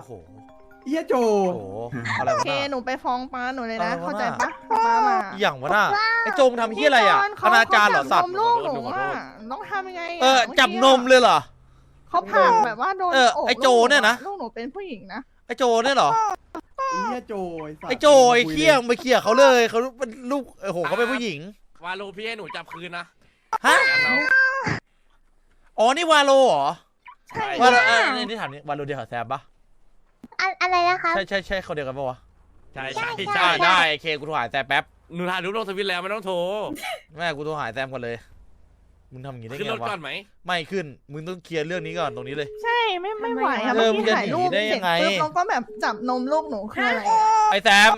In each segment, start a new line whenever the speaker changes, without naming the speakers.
โอ้โห
เฮียโจ
โอ้โหอะไร
โอ
วะ
เค
น่ะ
หนูไปฟ้องป้าหนูเลยนะ
อะไรวะ
เข้าใจ
น่ะ
ปะป้ามา
อย่างวะน่ะไอ้โจมทำเฮียอะไรอ่ะอนาจารเหรอสัตว์
ลูกหนูอ่ะต้องทำยังไง
จับนมเลยเหรอ
เขาผ่านแบบว่าโดน
ไอ้โจเนี่ยนะ
ลูกหนูเป็นผู้หญิงนะ
ไอ้โจเนี่ยเหรอ
เฮียโจสัตว์
ไอ้โจไอ้เคี้ยงไปเคี้ยเขาเลยเขาเป็นลูกโอ้โหเขาเป็นผู้หญิง
วาโลพี่ให้หนูจับคืนนะ
ฮะอ๋อนี่วาโลเหรอ
ใช่
วาโลนี่ถามนี่วาโลเดียวกับแซมปะ
อะไรนะคะ
ใช่เขาเดียวกันปะวะ
ใช่
ได้เคกูโทรหาแซมแป๊บ
หนูถ่ายรูปลงทวิตแล้วไม่ต้องโทร
แม่กูโทรหาแซมก่อนเลยมึงทำอย่างนี้ได้
ขึ้น
ไง
รถ
วะ
ก่อนไหม
ไม่ขึ้นมึงต้องเคลียร์เรื่องนี้ก่อนตรงนี้เลย
ใช่ไม่ไหวอะ
เออ
เมื่อ
มึงจะ
กี้ถ่ายรูป
หนีได้
เส
ยั
ร็จ
งไง
ปุ๊บเราก็แบบจับนมลูกหนูคืออะไรอะ
ไอ้แซม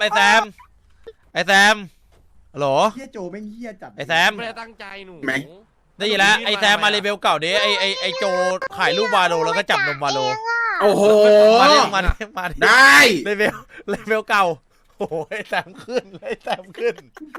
ฮัลโหล
เฮียโจแม่งเฮียจัด
ไอ้แซม
ไม่ได้ตั้งใจหนู
ได้ยินแล้วไอ้แซมมาเลเวลเก่าดิไอ้โจถ่ายรูปวาโลแล้วก็จับนมวาโล
โอ้โห
มาดิ
ได้
เลเวลเก่าโอ้โหไอ้แซมขึ้นไอ้แซมขึ้น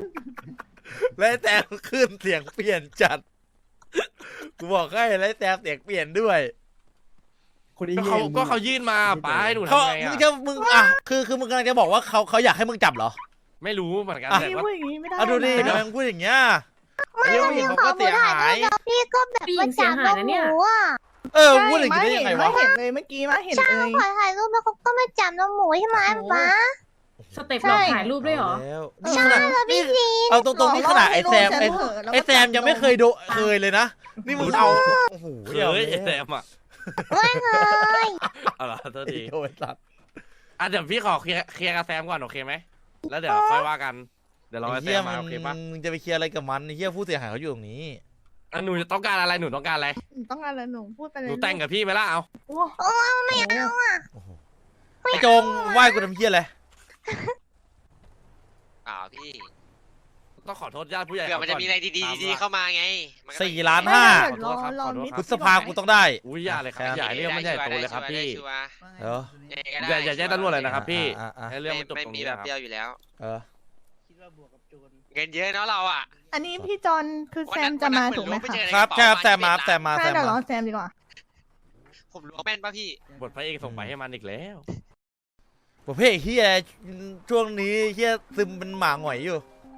เสียงเปลี่ยนจัดกูบอกให้ไอ้แซมเสียงเปลี่ยนด้วย
คนนี้
ก็เขายื่นมาป้าให้หนู
เขา
ทำไง
มึงอ่ะคือมึงกำลังจะบอกว่าเขาอยากให้มึงจับเหรอ
ไม่รู้เหมือนกัน
อ่ะ
แต่
พี่
ว่า
พูดอย่างนี้ไม่ได้
เอาดูดิ
นะ
ทำไมมึงพูดอย่างเงี้ยไอ้ผู้หญิงเขาก็เสียหาย
พี่ก็แบบว่าจับนมหนูอ่ะ
พูดอย่างนี้ได้ยังไงวะ
ไม่เห็นเลยเมื่อกี้มาเห็นเลย
ขอถ่ายรูปแล้วเขาก็มาจับนมหมูใช่ไหมป๊า
สเต็ปหลอกถ่ายรูปด้วยเหรอ
แล้วนี่ขนาดนี่เอาตรงๆนี่ขนาดไอ้แซมยังไม่เคยเคยเลยนะนี่มึงเอาโอ้โห
เฮ้ยไอ้แซมอ่ะ
ไม่เคย
เอาล่ะโทษที
โอ้ยสัตว์
เดี๋ยวพี่ขอเคลียร์กับแซมก่อนโอเคไหมแล้วเดี๋ยวค่อยว่ากันเดี๋ยวรอ
ไอ้
ไอ้แซ
เหี้ย
ม
มั
มาโอเคปะ
มึงจะไปเคลียร์อะไรกับมันไอ้เหี้ยผู้เสียหายเขาอยู่ตรงนี้
หนูจะต้องการอะไรหนูต้องการอะไร
ต้องอะไรหนูพูดไปเลย
หนูแต่งกับพี่ไหมล่ะเอา
โอ้
ไม่เอาอ่ะ
โอ้โหไอ้โจงไหว้กูทำเหี้ยอะไร
พี่
ต้องขอโทษญาติผู้ใหญ่
เผื่อมันจะมีอะไรดีๆเข้ามาไงมันก็
4 ล้าน 5 พฤษภากูต้องได้
อุ้ยอย่าเลยครับอย่าเรื่องมันใหญ่โตเลยครับพี่
เออ
อย่าแจ้งตำรวจเลยนะครับพี่
อ่ะ
ให้เรื่องมันจบ
ไม่
ตรง
มี
นี้
แบ
นะ
บ
ครับ
เปรี้ยวอยู่แล้ว
เออ
เงินเยอะเนาะเราอ่ะ
อันนี้พี่จอนคือแซมจะมาถูกไหมคะ
ครับใช่ครับแซมมา
ใช่เดี๋ยวรอแซมดีกว่า
ผมรู้แม่นป่ะพี่
บทพระเอกส่งไปให้มันอีกแล้ว
ประเภทเฮียช่วงนี้เฮียซึมเป็นหมาหงอยอยู่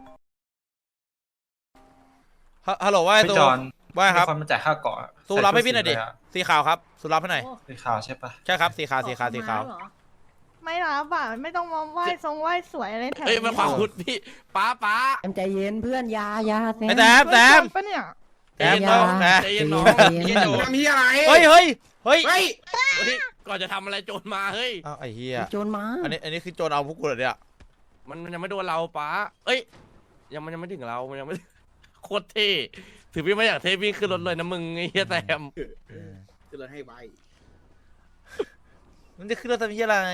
ฮัลโหลว่าไอ้
พี่
ตู
จอน
ว่าครับ
คนมาจ่ายค่าเกาะ
ตูรับให้พี่หน่อยดิสีขาวครับสูรับให้หน่อย
สีขาวใช่ปะ
ใช่ครับสีขาว
ไม่รับอ่ะไม่ต้องมาไหว้ทรงไหว้สวยอะไรแถว
เอ้ยมันความพูดพี่ป้า
ใจเย็นเพื่อนยาแซม
ไอ้แซม
ปะเนี่ย
แซมน้องแซม
ใจเย็นน้อง
เฮียโจทำเฮียอะไร
เฮ้ย
เฮ้ย
ก่อนจะทำอะไรโจรมาเฮ้ย
อ้าวไอ้เฮีย
โจรมา
อันนี้คือโจรเอาพวกกูเหรอเนี่ย
มันยังไม่โดนเราป้าเอ้ยมันยังไม่ถึงเรามันยังไม่โคตรเท่ถือพี่ไม่อยากเท่พี่ขึ้นรถเลยนะมึงไอ้เหี้ยแซม
คือเราให้ไว
มันจะขึ้นรถทำเฮียอะไร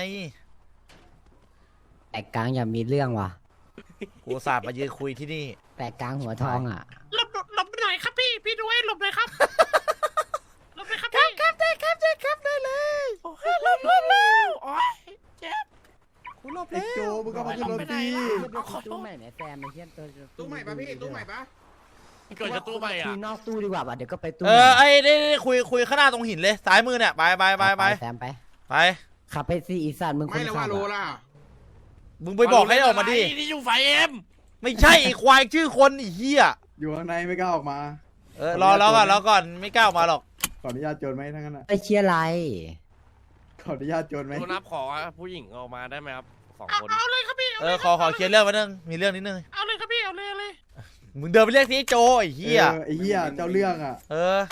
แตกกลางอย่ามีเรื่องว่ะ
กูสาบมายืนคุยที่นี่
แตกกลางหัวทองอ่ะ
หลบหน่อยครับพี่ด้วยหลบหน่อยครับ หลบหน่อยครับพี่ครับได้เลยโอ้ยหลบแล้วโอ้ยเจ็บ
กูหลบ
ไอ้
แล้ว
โจมึงก็มาขึ้นรถดี
ตู้ใหม่ไหนแซมไอ้เหี้ยตัว
ตู้ใหม่ปะพี่ตู้ใหม่ปะ
ก่อนจะตู้ไปอ่ะ
คุยนอกตู้ดีกว่าป่ะเดี๋ยวก็ไปตู้
ไอ้นี่คุยข้างหน้าตรงหินเลยซ้ายมือเนี่ยไป
แซมไป
ไป
ขับไปสิอีสัตว์มึงค
ไม่
น
แล้ว
ขั
ว่า
บ
โลล่ะ
มึงไปบอกให้ออกมาดิ
นี่อยู่ไฟเอ็ม
ไม่ใช่ไอ้ควายชื่อคนไอ้เหี้ย
อยู่ข้างในไม่กล้าออกมา
รอก่อนไม่กล้าออกมาหรอก
ขออนุญาตโจรไหมทั้งนั้นอ่ะ
ไอ้เชียร์ไร
ขออนุญาตโจรไหม
คุณนับขอผู้หญิงออกมาได้ไหมครับ2 คน
เอาเลยครับพี่
ขอเคลียร์เรื่องมานึงมีเรื่องนิดนึง
เอาเลยครับพี่เอาเลย
มึงเดินไปเรียกสิไอ้โจไอ้เหี้ย
ไอ้เฮียเจ้าเรื่องอ่ะ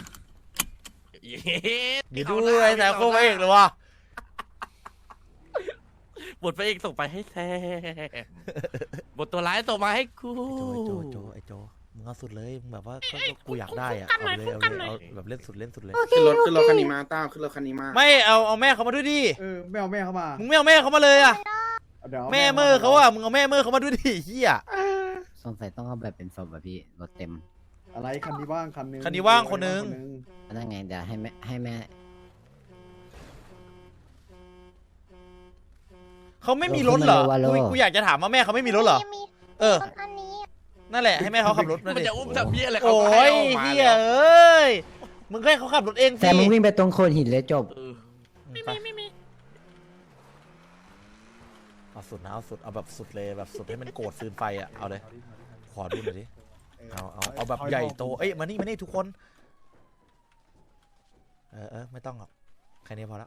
เดี๋ยวดูไอ้แซมโค้งเอกเลยวะ
บทพระเอกส่งไปให้แซมบทตัวร้ายส่งมาให้กู
ไอ้โจมึงเอาสุดเลยมึงแบบว่ากูอยากได้อะเอาแบบเล่นสุดเลย
ขึ้นรถคันนี้มาต้าขึ้นรถคันนี้มา
ไม่เอาแม่เขามาด้วยดิ
ไม่เอาแม่เข้ามา
มึงไม่เอาแม่เขามาเลยอะ
เดี๋ยว
แม่เมื่อเขาอะมึงเอาแม่เมื่อเขามาด้วยดิเหี้ย
สงสัยต้องเอาแบบเป็นศพอ่ะพี่รถเต็ม
อะไรคันนี้ว่างคันนึง
คันนี้ว่างคนนึง
นั่นไงเดี๋ยวให้แม่
เขาไม่มีรถเหรอกูอยากจะถามว่าแม่เขาไม่มีรถเหรอ
อันนี้
นั่นแหละให้แม่เขาขับรถ
มันจะอุ้มทำเบี้ยอะไร
โอ้ยเฮียเอ้ยมึงให้เขาขับรถเอง
แซมมึงวิ่งไปตรงโคนหินเลยจบ
ไม่มี
ไเอาสุดนะเอาสุดเอาแบบสุดเลยแบบสุดให้มันโกรธฟืนไฟอ่ะเอาเลยขอดูหน่อยดิเอาแบบใหญ่โตเอ้ยมานี่ทุกคนไม่ต้องหรอกแค่นี้พอละ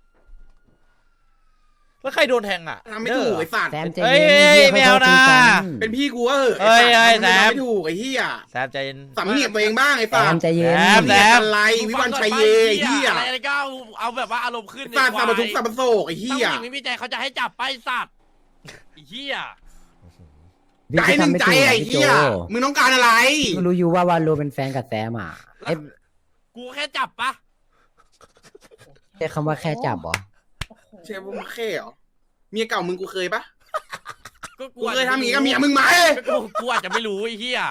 แล้วใครโดนแทงอ่ะ
ทำไม่ถูกไอ้สัตว์
แซมใจ
เอ้
เย็
ย
น
ไม่เอานะ
เป็นพี่กูก็เหอะ
เอ้ย
ไอ้สัตว์
แซม
ทำไม่ถูกไอ้เหี้ย
แซมใจเย็น
สำเนียกตัวเองบ้างไอ้
แซ
สัต
ม
ว์
ใจเย็น
แซม
เรียกอะไรวิวันชัยเยไอ้เหี้ย
อะไรก็เอาแบบว่าอารมณ์ขึ้น
สัตว์สับปะทุกสับปะโศกไอ้
ถ้า
เหี้
ผู้
ย
หญิงไม่มีใจเขาจะให้จับไปสัตว์ไอ้เหี้ย
พี่
ใจหนึ่ง
ทำไม่
ใจ
ถูก
ไอ้
พี่โจ
เหี้ยมึงต้องการอะไร
ก็รู้อยู่ว่าวาโลเป็นแฟนกับแซมอ่ะเอ้ย
กูแค่จับปะ
ใช้คำว่าแค่จับเหรอ
เชฟมึงแค่เหรอเมียเก่ามึงกูเคยปะ
ก็
กูเคยทำอย่างนี้กับเมียมึงไหม
กูอาจจะไม่รู้ไอ้เหี้ย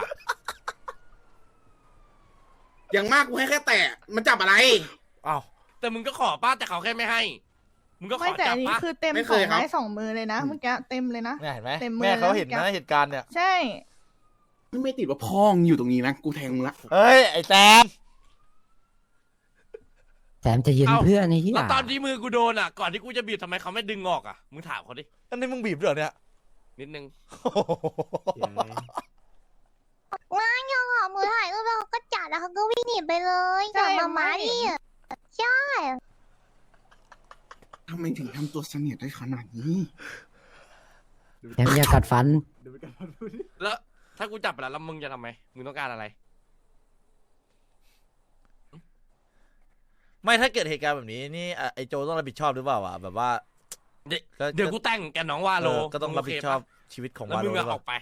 อย่างมากกูให้แค่แตะมันจับอะไร
อ้าว
แต่มึงก็ขอป้าแต่เขาแค่ไม่ให้ มึงก็ข
ไม่
อ
แต่
จั
อั
บ
นนี้
ป้า
คือเต็ม
ไม่
ส
เค
อย ง
ครับ
ไม้สองมือเลยนะเมื่อกี้เต็มเลยนะ
เนี่ยเห็นไหม
เต็มมือ
แม่เขาเห็น
แล้ว
นะเหตุการณ์เนี่ย
ใช่
ไม่ติดว่าพ่องอยู่ตรงนี้นะกูแทงมึงละ
เฮ้ยไอ้แซม
แซมใจเย็นเพื่อนไอ้เหี้ย
แล้วตอนที่มือกูโดนอ่ะ ก่อนที่กูจะบีบทำไมเขาไม่ดึงออกอ่ะ มึงถามเขาดิ
อันนี้มึงบีบด้วยเหรอเนี่ย
นิดนึง
ง่ายยังอ่ะมือถ่ายรูปแล้วเขาก็จัดแล้วเขาก็วิ่งหนีไปเลยจับมามาดิใช่
ทำไมถึงทำตัวเสนียดได้ขนาดนี้
แซมอย่ากัดฟัน
แล้วถ้ากูจับไปแล้วมึงจะทำไม มึงต้องการอะไร
ไม่ถ้าเกิดเหตุการณ์แบบนี้นี่ไอ้โจต้องรับผิดชอบหรือเปล่าวะแบบว่า
เดี๋ยวกูแต่งแกน้องว่าโล
ก็ต้องรับผิดชอบชีวิตของ
แล้ว
วา
มึ
โล
ง
หรื
อะ
อเป
อ
ล่า
อกไป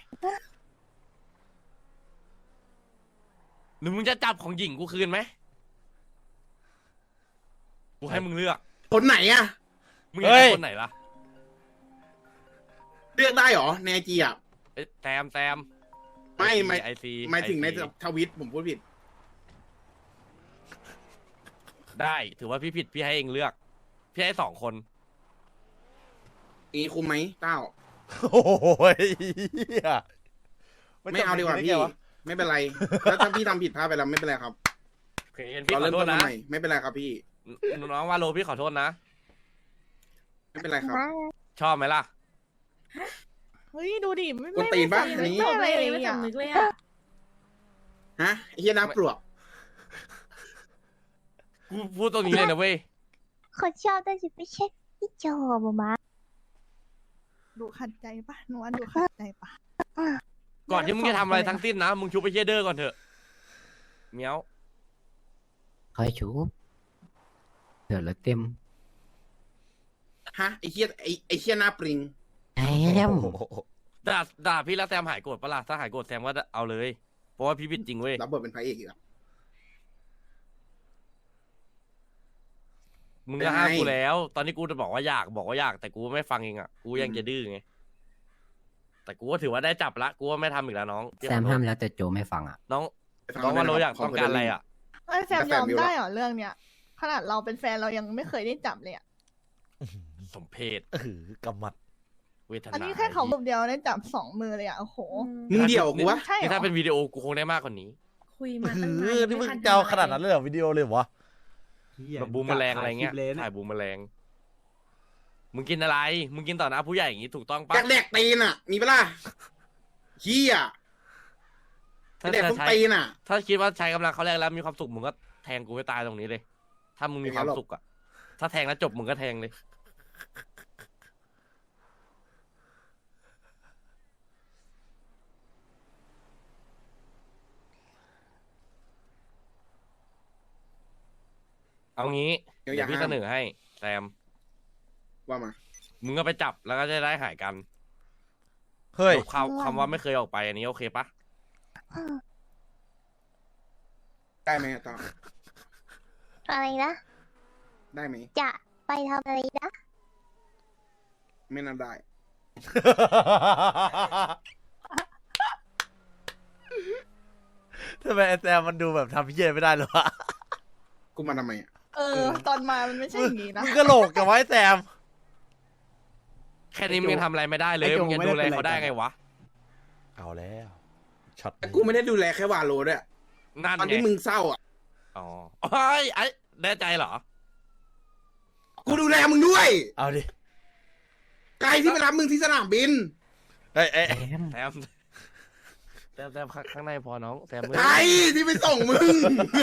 หรือมึงจะจับของหญิงกูคืนไหมกูให้มึงเลือก
คนไหนอะ
มึงอยากได้คนไหนล่ะ
เลือกได้เหรอในไอจีอะ
เอ้ยแซม
ไม่
ไอซี
หมายถึงในทวิตผมพูดผิด
ได้ถือว่าพี่ผิดพี่ให้เองเลือก พี่ให้2 คน
อีคุมไหมเต้า
โอ้ยเหี้ย
ไม่เอาดีกว่าพี่ ไม่เป็นไรแล้วถ้าพี่ทำผิดพลาดไปแล้วไม่เป็นไรครับ
โอเคงั้นพี่
เรา
ขอ
เริ่ม
โท
ต้
ษ
น
นะ
ใหม่ไม่เป็นไรครับพี่
น้องว่าโลพี่ขอโทษนะ
ไม่เป็นไรครับ
ชอบไหมล่ะ
เฮ้ยดูดิไม่
กวนตีนปะ
ไม่
อันนี้
ไม่อะไรเลยอ่ะ
ฮะไอ้เฮียน้าปลวก
กูพูดตรงนี้เลยนะเว้ย
เขาชอบแต่สิไม่ใช่พี่โจมา
ดูขัดใจปะนวลดูขัดใจปะ
ก่อนที่มึงจะทำอะไรทั้งสิ้นนะ มึงชุบไปเยเดอร์ก่อนเถอะเมียว
คอยชูเดี๋ยวเราเต็ม
ฮะไอ้เฮียไอ้เฮียหน้าปริง
แซม
ด่าพี่แล้วแซมหายโกรธปะล่ะถ้าหายโกรธแซมก็เอาเลย เพราะว่าพี่ผิดจริงเว้ย
รับบทเป็นพระเอกอีกแล้ว
มึงก็ห้ามกูแล้ว ตอนนี้กูจะบอกว่าอยากแต่กูไม่ฟังเองอ่ะ กูยังจะดื้อไง แต่กูก็ถือว่าได้จับละ กูว่าไม่ทำอีกแล้วน้อง
แซมห้ามแล้วแต่โจไม่ฟังอ่ะ
น้องว่าโลอยากต้องการอะไรอ่ะ
ไอ้ยแซมยอมได้เหรอเรื่องเนี้ยขนาดเราเป็นแฟนเรายังไม่เคยได้จับเลยอ่ะ
สมเพศ
กำมัด
เวทนา
อันนี้แค่เขารูปเดียวได้จับ2 มือเลยอ่ะโอ้โห
มึงเดี่ยวกูวะ
ใช่เหร
นี่
อ
ถ้าเป็นวิดีโอกูคงได้มากกว่านี้
คุยมาตั้งนาน
นี่มึงเจ้าขนาดนั้นเลยเหรอวิดีโอเลยเหรอวะ
แบบบูมแมลงอะไรเงี้ย ถ่ายบูมแมลง มึงกินอะไร มึงกินต่อหน้าผู้ใหญ่อย่างงี้ถูกต้องปะ
อยากแดกตีนอ่ะ มีปะล่ะเฮีย
ถ้า
แดกทุก
ใช้
ตีนอ่ะ
ถ้าคิดว่าใช้กำลังเขาแรงแล้วมีความสุขมึงก็แทงกูให้ตายตรงนี้เลย ถ้ามึงมีความสุขอ่ะ ถ้าแทงแล้วจบมึงก็แทงเลย เอางี้
เดี๋ยวอ
เดี๋
ย่า
ยวพี่
ห้าม
เสนอให้แซม
ว่ามา
มึงก็ไปจับแล้วก็จะได้หายกัน
เฮ้ย
ลบคำว่าไม่เคยออกไปอันนี้โอเคปะ
ได้ไหมอะตอ
อะไรนะ
ได้ไหม
จะไปทำอะไรนะ
ไม่น่าได้
ทำไมไอ้แซมมันดูแบบทำเพี้ยไม่ได้เลยวะ
กูมาทำไมอ่ะ
ตอนมามันไม่ใช่อย่างนี้นะ
มึงกระโหลกกับไว้แซม
แค่นี้มึงยังทำอะไรไม่ได้เลย มึงยังดูแลเขาได้ไงวะ
เอาแล้วช็อต
แต่กูไม่ได้ดูแลแค่วาโลด้วย
นั่น
ตอน
ไง
ที่มึงเศร้าอ่ะ
อ๋อไอ้แน่ใจเหรอ
กูดูแลมึงด้วย
เอาดิ
ไกลที่ไปรับมึงที่สนามบิน
เอ้ยเอ้ย
แต้ม
แซมข้างในพอน้องแซม
ไกลที่ไปส่งมึง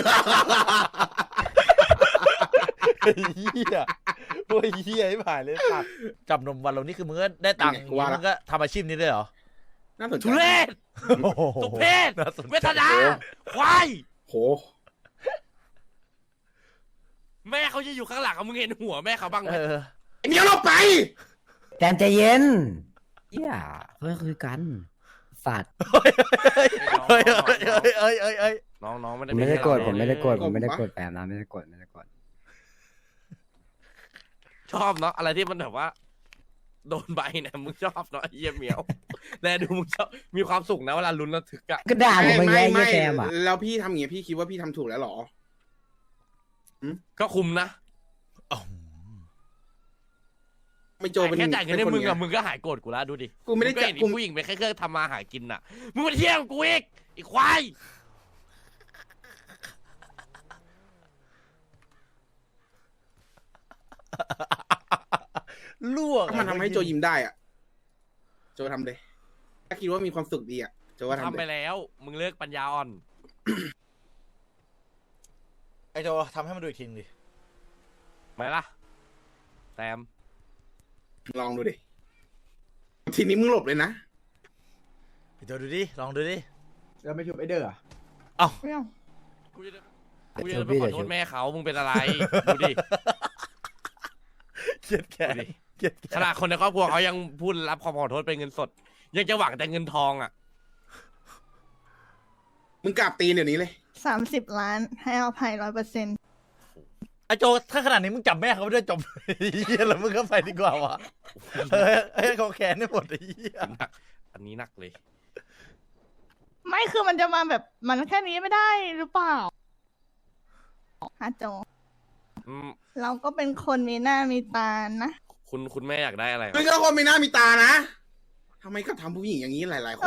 เฮียโอ้ยเฮียไม่ผ่านเลยสัตว์จับนมวันเรานี่คือมึงก็ได้ตังค์
ว่าละ
มึงก็ทำอาชีพนี้ด้วยเหรอ
น่าสนใจ
ทุเรศ
โอ้โห
ตุเพศ
น่าสนใจ
เวทนาควาย
โห
แม่เขาจะอยู่ข้างหลังมึงเห็นหัวแม่เขาบ้างไหม
ไอ้เหมียวหลบไป
แต้มใจเย็นเหี้ยเพื่อคือกันสัตว์
เฮ้ยเฮ้ยเฮ้ยเฮ้ยเฮ้ยเฮ้ย
น้องไม่
ผ
ได้
มไม่ได้โกรธ
เป็น
ผมไม่ได้โกรธ
โกรธ
ผมไม่ได้
ปะ
โกรธแปมนะไม่ได้โกรธไม่ได้โกรธ
ชอบเนาะอะไรที่มันแบบว่า โดนใบเนี่ยมึงชอบเนาะไอ้เยี่ยเหมียวแลดูมึงชอบมีความสุขนะเวลาลุ้นระทึกอะ
ก็ด่าผมไปแย่เหี้ยแต้มอ่ะ
แล้วพี่ทำอย่างเงี้ยพี่คิดว่าพี่ทำถูกแล้วเหรอ
ก็คุมนะ
อ๋อ
ไม่โจเป็น
แค่จ่ายเงินให้
ป็ค
มึง
ไ
อะมึงก็หายโกรธกูแล้วดูดิ
กูไม่ได้
งก็เห็น
กู
ผู้หญิงเป็นแค่เครื่องทำมาหากินน่ะมึงมาเที่ยวกูอีกไอ้ควาย
ลวก
ก็มันทำให้โจยิ้มได้อ่ะ โจทำเลยถ้าคิดว่ามีความสุขดีอ่ะโจว่า
ทำ
ทำ
ไป
เลย
แล้ว มึงเลิกปัญญาอ่อน
ไอ้โจทำให้มันดูอีกทีนึงดิ
ไหมล่ะแซม
ลองดูดิ ทีนี้มึงหลบเลยนะ
ไอ้โจดูดิลองดูดิ
แล้วไม่ชุบไอเดอร์อะ
ไม่เอา
กูจะไปขอโทษแม่เขามึงเป็นอะไรดูดิ
เกลียดแค่
ดูดิ
เกลียดแค่
ขนาดคนในครอบครัวเขายังพูดรับความขอโทษเป็นเงินสด ยังจะหวังแต่เงินทองอ่ะ
มึงกราบตีนเดี๋ยวนี้เลย
30 ล้านให้อภัย100%
ไอ้โจถ้าขนาดนี้มึงจับแม่เขาไม่ได้จบเฮียแล้วมึงก็ไปดีกว่าวะเฮ้ยเขาแขนได้หมดไอ้เฮีย
หนักอันนี้หนักเลย
ไม่คือมันจะมาแบบมันแค่นี้ไม่ได้หรือเปล่าฮะโจ
อืม
เราก็เป็นคนมีหน้ามีตานะ
คุณแม่อยากได้อะไร
มึงก็คนมีหน้ามีตานะทำไมก็ทำผู้หญิงอย่างนี้หลาย ๆ คน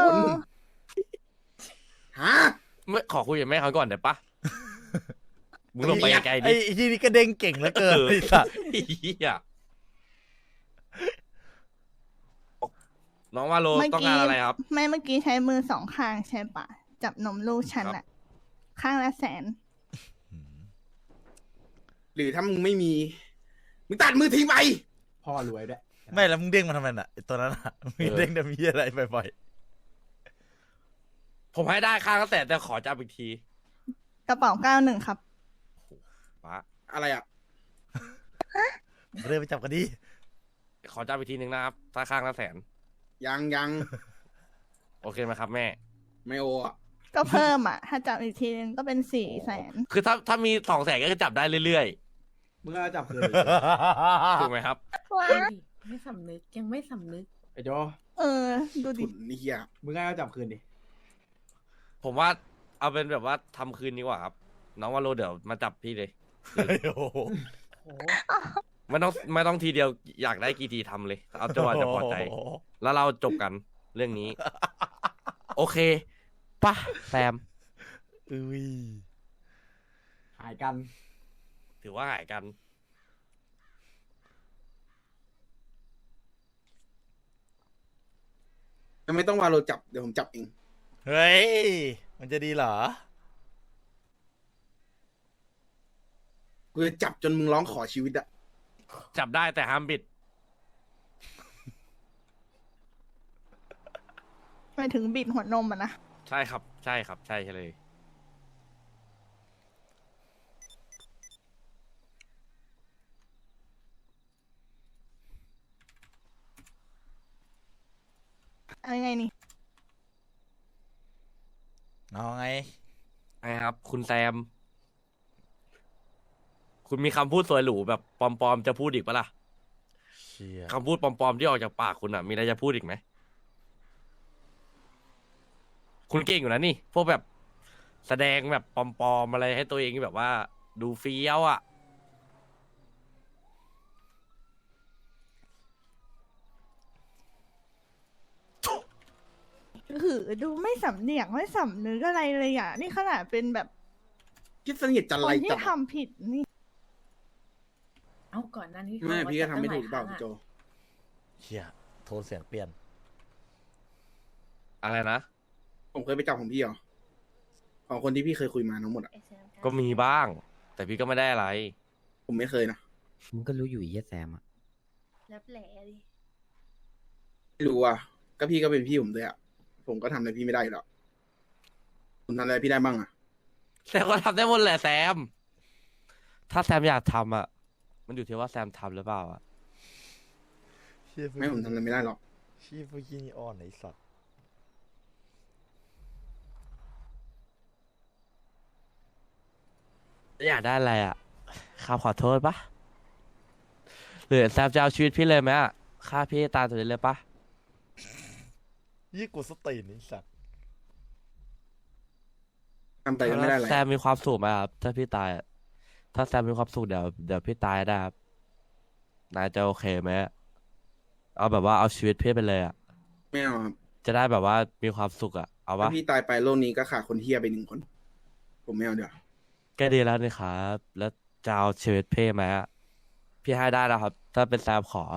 ฮะ
ไม่ขอคุยกับแม่เขาก่อนได้ปะมึงลงไปไกลๆ
ไอ้
ดิ
ที่นี่ก็เด้งเก่งเหลือเกินไอ้สัส
ไอ้เหี้ยน้องว่าโลต้องการอะไรครับ
ไม่เมื่อกี้ใช้มือ2 ข้างใช่ปะจับนมลูกฉันอะข้างละ100,000
หรือถ้ามึงไม่มี มึงตัดมือทิ้งไป
พ่อรวยด้วย
ไม่แล้วมึงเด้งมาทำไมน่ะไอ้ตัวนั้นอ่ะมึงเด้งจะมีอะไรบ่อย
ผมให้ได้ค่าตั้งแต่ขอจับอีกที
กระเป๋า91ครับ
ป้า
อะไรอ่ะ
ๆเริ่มไปจับกันดิ
ขอจับอีกทีหนึ่งนะครับถ้าข้างละ100,000
ยัง
โอเคไหมครับแม่
ไม่โออ่ะ
ก็เพิ่มอ่ะ ถ้าจับอีกทีนึงก็เป็น400,000
คือถ้ามี200,000ก็จะจับได้เรื่อย
มึงก็จับคืน
ๆถูกไหมครับ
ว้า
ไม่สำนึกยังไม่สำนึก
ไอโจ
ดูดิ
ฝุ่นนี่เฮีย
มึงก็จับคืนดิ
ผมว่าเอาเป็นแบบว่าทำคืนดีกว่าครับ น้องว่าโลเดี๋ยวมาจับพี่เลย
โอ้โห
ไม่ต้องทีเดียวอยากได้กี่ทีทำเลย เอาจนกว่าจะพอใจ แล้วเราจบกันเรื่องนี้ โอเคป่ะแซม
อุ้ย
หายกัน
ถือว่าหายกัน
ไม่ต้องวาโลจับ เดี๋ยวผมจับเอง
เฮ้ยมันจะดีเหรอ
กูจะจับจนมึงร้องขอชีวิตอ่ะ
จับได้แต่ห้ามบิด
ไปถึงบิดหัวนมอ่ะนะ
ใช่ครับ ใช่ครับ ใช่เลย
อะไรไงนี่
เอาไง
ไงครับ คุณแซม คุณมีคำพูดสวยหรูแบบปลอมๆจะพูดอีกปะล่ะ
เชี่ย
คำพูดปลอมๆที่ออกจากปากคุณอ่ะ มีอะไรจะพูดอีกไหม คุณเก่งอยู่นะนี่ พวกแบบแสดงแบบปลอมๆอะไรให้ตัวเองแบบว่า ดูเฟี้ยวอ่ะ
ดูไม่สำเนียกไม่สำนึกอะไรเลยอ่ะ นี่ขนาดเป็นแบบ
คิดสนิทจัน
ค
ไร
นที่
จับ
ทำผิดนี่
เอาก่อนหนั้นที่
แม่พี่ก็ทำไม่ถูกหรือเปล่า
ตั้งหลาย
โจ
ครั้งอะ
เชี่ยทนเสียงเปลี่ยน
อะไรนะ
ผมเคยไปจับของพี่เหรอของคนที่พี่เคยคุยมาทั้งหมดอะ
ก็มีบ้าง แต่พี่ก็ไม่ได้อะไร
ผมไม่เคยนะ
มึงก็รู้อยู่ไอ้เหี้ยแซมอะ
แล้วแหละดิ
ไม่รู้อ่ะก็พี่ก็เป็นพี่ผมด้วยอ่ะผมก็ทำอะไรพี่ไม่ได้อยู่แล้วคุณทำอะไรพี่ได้บ้างอ่ะ
แต่ก็ทำได้หมดแหละแซม ถ้าแซมอยากทำอ่ะ มันอยู่ที่ว่าแซมทำหรือเปล่าอ่ะ
ไม่ผมทำอะไรไม่ได้หรอก
ชีพยี่นี่อ่อนไอ้สัตว์
อยากได้อะไรอ่ะข้าขอโทษปะหรือแซมจะเอาชีวิตพี่เลยไหมอ่ะฆ่าพี่ให้ตายตัวนี้เลยปะ
ยี่กูสตีนไอ้สัตว์
ทำไปก็ไม่ได้อะไร
แซมมีความสุขไหมครับถ้าพี่ตายอะถ้าแซมมีความสุขเดี๋ยวพี่ตายได้ครับนายจะโอเคไหมเอาแบบว่าเอาชีวิตพี่ไปเลยอ่ะ
ไม่เอาครับ
จะได้แบบว่ามีความสุขอ่ะเอาะ
ถ้าวพี่ตายไปโลกนี้ก็ขาดคนเฮียไป1 คน ผมไม่เอาเดี๋ยวา
ก็ดีแล้วนี่ครับ แล้วจะเอาชีวิตพี่ไหมอะพี่ให้ได้นะครับ ถ้าเป็นแซมขอ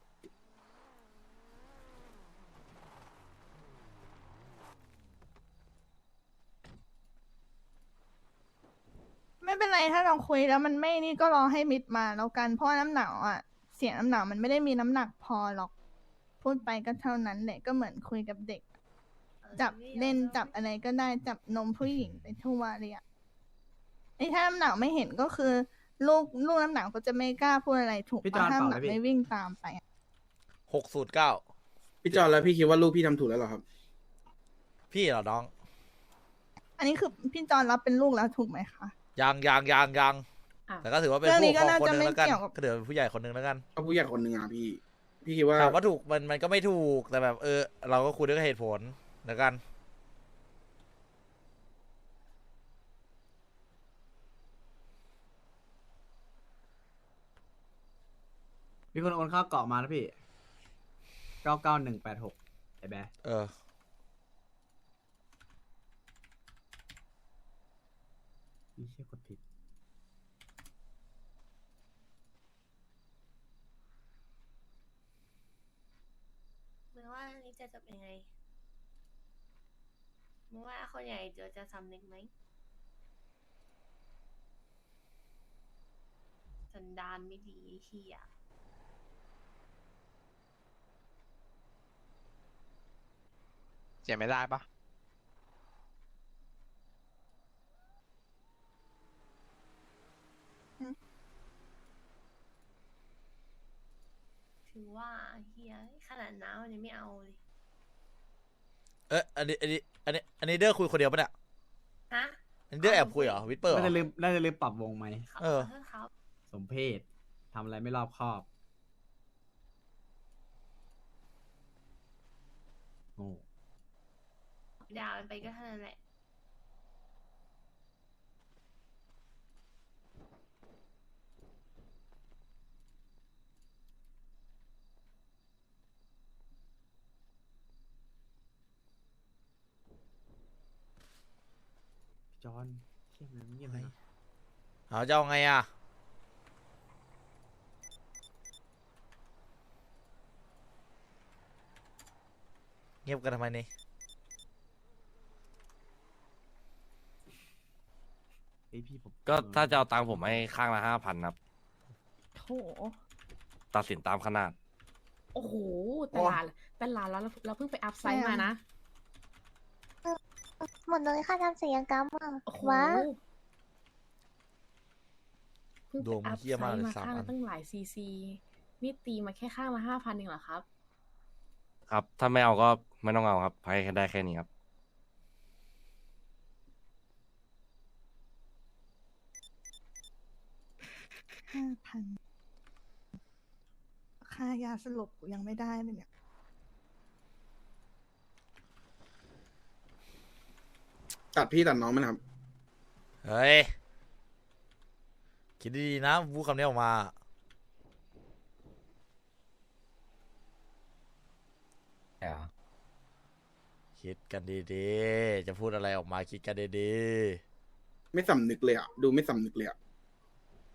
ไม่เป็นไรถ้าเราคุยแล้วมันไม่นี่ก็รอให้มิดมาแล้วกันเพราะว่าน้ำหนาวอ่ะ เสียงน้ำหนาวมันไม่ได้มีน้ำหนักพอหรอก พูดไปก็เท่านั้นแหละก็เหมือนคุยกับเด็ก จับเล่นจับอะไรก็ได้จับนมผู้หญิงไปทั่วเลยอ่ะไอ้ถ้าน้ำหนาวไม่เห็นก็คือ ลูกน้ำหนาวก็จะไม่กล้าพูดอะไรถูก
พี่จอ
ปะ
น
ถ้า
เปล่า
หนาว
เลยพี่
ไม่วิ่งตามไปอะ
609
พี่จอนแล้วพี่คิดว่าลูกพี่ทำถูกแล้วเหรอครับ
พี่เหรอน้อง
อันนี้คือพี่จอนรับเป็นลูกแล้วถูกไหมคะ
ยัง
อ่ะ
แต่ก็ถือว่าเป็น
เรื่องนี้
ผู้ปกครอง
ก็
คนหนึง
น่าจะ
แล้วกัน
ไม่เกี่ยวกับ
ก็เดี๋ยวเป็นผู้ใหญ่คนหนึงแล้วกัน
ก็ผู้ใหญ่คนหนึ่งอ่ะพี่คิดว่า
ถามว่าถูกมันก็ไม่ถูกแต่แบบเราก็คุยด้วยเหตุผลแล้วกัน
มีคนโอนเข้าเกาะมานะพี่99186ไอ้แบร์
เออ
พี่เชี่ยกดผิด
มึงว่าอันนี้จะจบยังไงมึงว่าคนใหญ่จะสำนึกไหมสันดานไม่ดีเฮีย
เสียไม่ได้ปะ
ถือว่าเฮียขนาดน้ำมันยังไม่เอาเลย
อันนี้เดอร์คุยคนเดียวปะเนี่ย
ฮะ
อันนี้เดอร์แอบคุยเหรอวิปเปอร์เหร
น่า
อ
จะลืมปรับวงไหม
เขา
เออ
ขอโทษครับ
สมเพศทำอะไรไม่รอบคอบ โง่
ด่ามันไปก็เท่านั้นแหละ
จอนเชี่ยมันเงียบเลย
เอาจะเอาไงอ่ะเงียบกันทำไมนี่
เฮ้ยพี่ผม
ก็ถ้าจะเอาตังค์ผมให้ข้างละ5,000ครับ
โถ
ตัดสินตามขนาด
โอ้โห แต่หลานเราเพิ่งไปอัพไซด์มานะ
หมดเลยค่าทำศัลยกรรมอ่ะ
โอ้โห
ว้า
เพิ่ง
ด
ไป
วง
อั
มัน
พ
เหี้ย
ไซ
มาก
ด์
เลย
มา
3
ข้าง
อั
ละ
น
ตั้งหลายซีซีนี่ตีมาแค่ข้างละ5,000เองเหรอครับ
ครับ ถ้าไม่เอาก็ไม่ต้องเอาครับให้ได้แค่นี้ครับ
5,000ค่ายาสลบกูยังไม่ได้เลยเนี่ย
ตัดพี่ตัดน้องไหมนะครับ
เฮ้ย คิดดีๆนะพูดคำนี้ออกมา คิดกันดีๆ จะพูดอะไรออกมาคิดกันดี
ไม่สำนึกเลยอ่ะดูไม่สำนึกเลยอ่ะ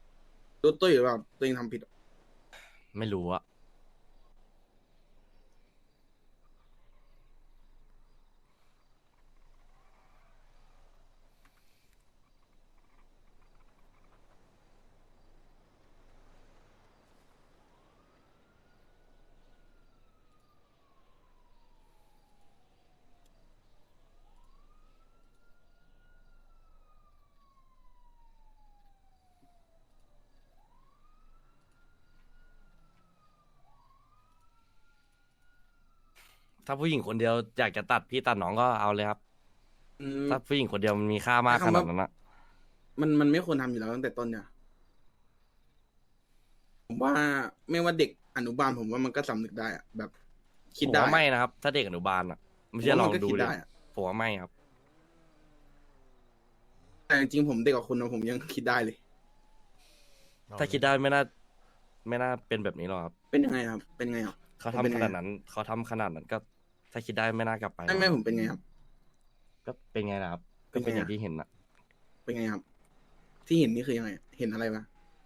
รู้ตัวอยู่ว่าตัวเองทำผิดอะ
ไม่รู้อะถ้าผู้หญิงคนเดียวอยากจะตัดพี่ตัดน้องก็เอาเลยครับ
อืม
ถ้าผู้หญิงคนเดียวมันมีค่ามากขนาดนั้นนะ
มันไม่ควรทำอยู่แล้วตั้งแต่ต้นเนี่ยผมว่าไม่ว่าเด็กอนุบาลผมว่ามันก็สำนึกได้อะแบบคิด
ผม
ได้
ว่าไม่นะครับ ถ้าเด็กอนุบาลอ่ะไม่ใช่ลองดู
ผมว่ามันก็คิด
ดิ
ได้อะ
ผมว่าไม่ครับ
แต่จริงๆผมเด็กกว่าคุณนะผมยังคิดได้เลย
ถ้าคิดได้ไม่น่าเป็นแบบนี้หรอกครับ
เป็นยังไงครับ เป็นไงครับ
เขา
ผมเป็น
ทำ
ไง
ขนาดนั้นเขาทำขนาดนั้นก็ ถ้าคิดได้ไม่น่ากลับไป
ไม่ผมเป็นไงครับ
ก็เป็นไงล่ะครับ
เป็
ก็
นไง
เป็นอย่าง
อะ
ที่เห็นนะ
เป็นไงครับ ที่เห็นนี่คือยังไง เห็นอะไรมา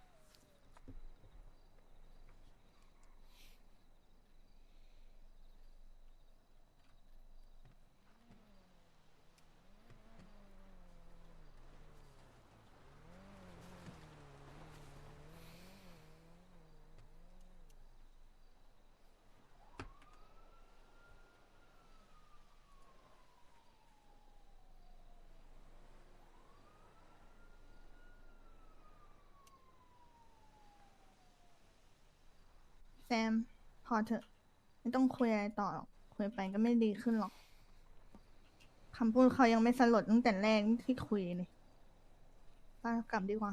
แซม พอเถอะ ไม่ต้องคุยอะไรต่อหรอก คุยไปก็ไม่ดีขึ้นหรอกคำพูดเขายังไม่สลดตั้งแต่แรกที่คุยเลยป้ากลับดีกว่า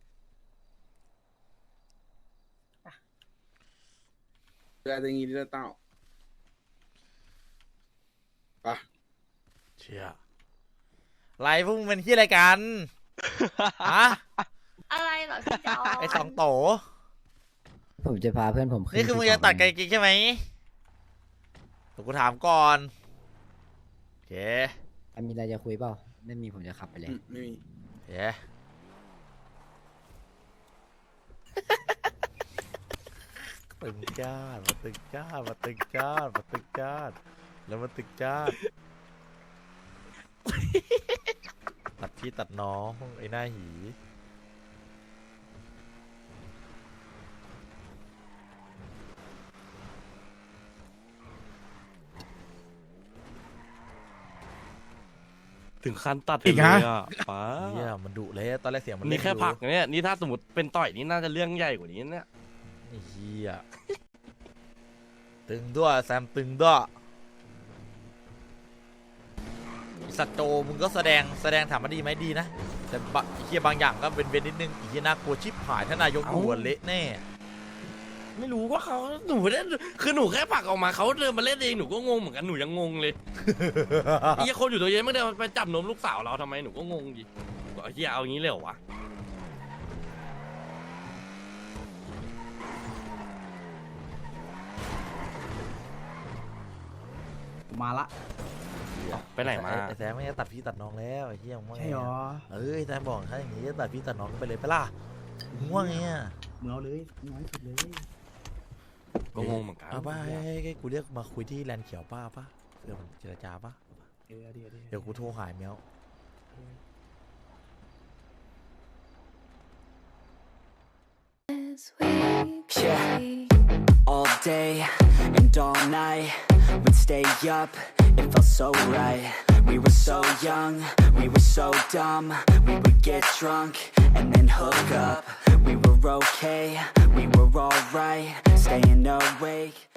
เรือจะงี้เรือเต้าไปะ
เชี่ยไรพวกมึงเป็นที่อะไรกันฮะ
อะไรเหรอพี่จอ
ไอสองโต
ผมจะพาเพื่อนผมขึ้น
นี่คือมึง
ภู
จะ
เขา
ตัดไกลกิกใช่ไหมเดี๋ยวกูถามก่อนโอเค
มีอะไรจะคุยเปล่าไม่มีผมจะขับไปเลย
ไม่มี
โอเคตึงจ้าดมาตึงจ้าดมาตึงจ้าดมาตึงจ้าดแล้วมาตึงจ้าดตัดพี่ตัดน้องไอ้หน้าหี
ถึงขั้นตัด
อีก
เล
ฮะ
ยอ่ะป้า
เฮียมันดุเลยตอนแรกเสียงมัน
นี่แค่
เล็
ผัก
อยู่
เนี่ยนี่ถ้าสมมติเป็นต่อยนี่น่าจะเรื่องใหญ่กว่านี้เนี่ย
ไอ้เฮียตึงด้วยแซมตึงด้วยไอ้สัตว์โจมึงก็แสดงถามมาดีไหมดีนะแต่ไอ้เฮียบางอย่างก็เว้นนิดนึงไอ้เฮียน่ากลัวชิบหายถ้านายกดูอะเละแน่
ไม่รู้ว่าเขาหนูได้คือหนูแค่ผลักออกมาเขาเดินมาเล่นเองหนูก็งงเหมือนกันหนูยังงงเลย ไอ้เหี้ยคนอยู่ตัวเย็นไม่ได้ไปจับนมลูกสาวเราทำไมหนูก็งงดิบอกไอ้เหี้ยเอางี้เลยเหรอวะ
มาละ
ไปไหนมา
ไอ้แซมไม่ได้ตัดพี่ตัดน้องแล้วไอ้เฮียมึงว่าไง
ใช่หรอ
เอ้ยแซมบอกถ้าอย่างงี้จะตัดพี่ตัดน้องไปเลยไปะล่ะมึงว่าไงอะ
มึงเอาเลยน้อยสุดเลย
ก็งงเหมือนกัน
เอาป่ะให้กูเรียกมาคุยที่แลนด์เขียวป้าป่ะเพื่อมันเจรจาป่ะ
เดี๋ยว
เดี๋ยวกูโทรหายเมียว
Yeah, all day and all night, we'd stay up, it felt so right. We were so young, we were so dumb, we would get drunk and then hook up. We were okay, we were alright, staying awake.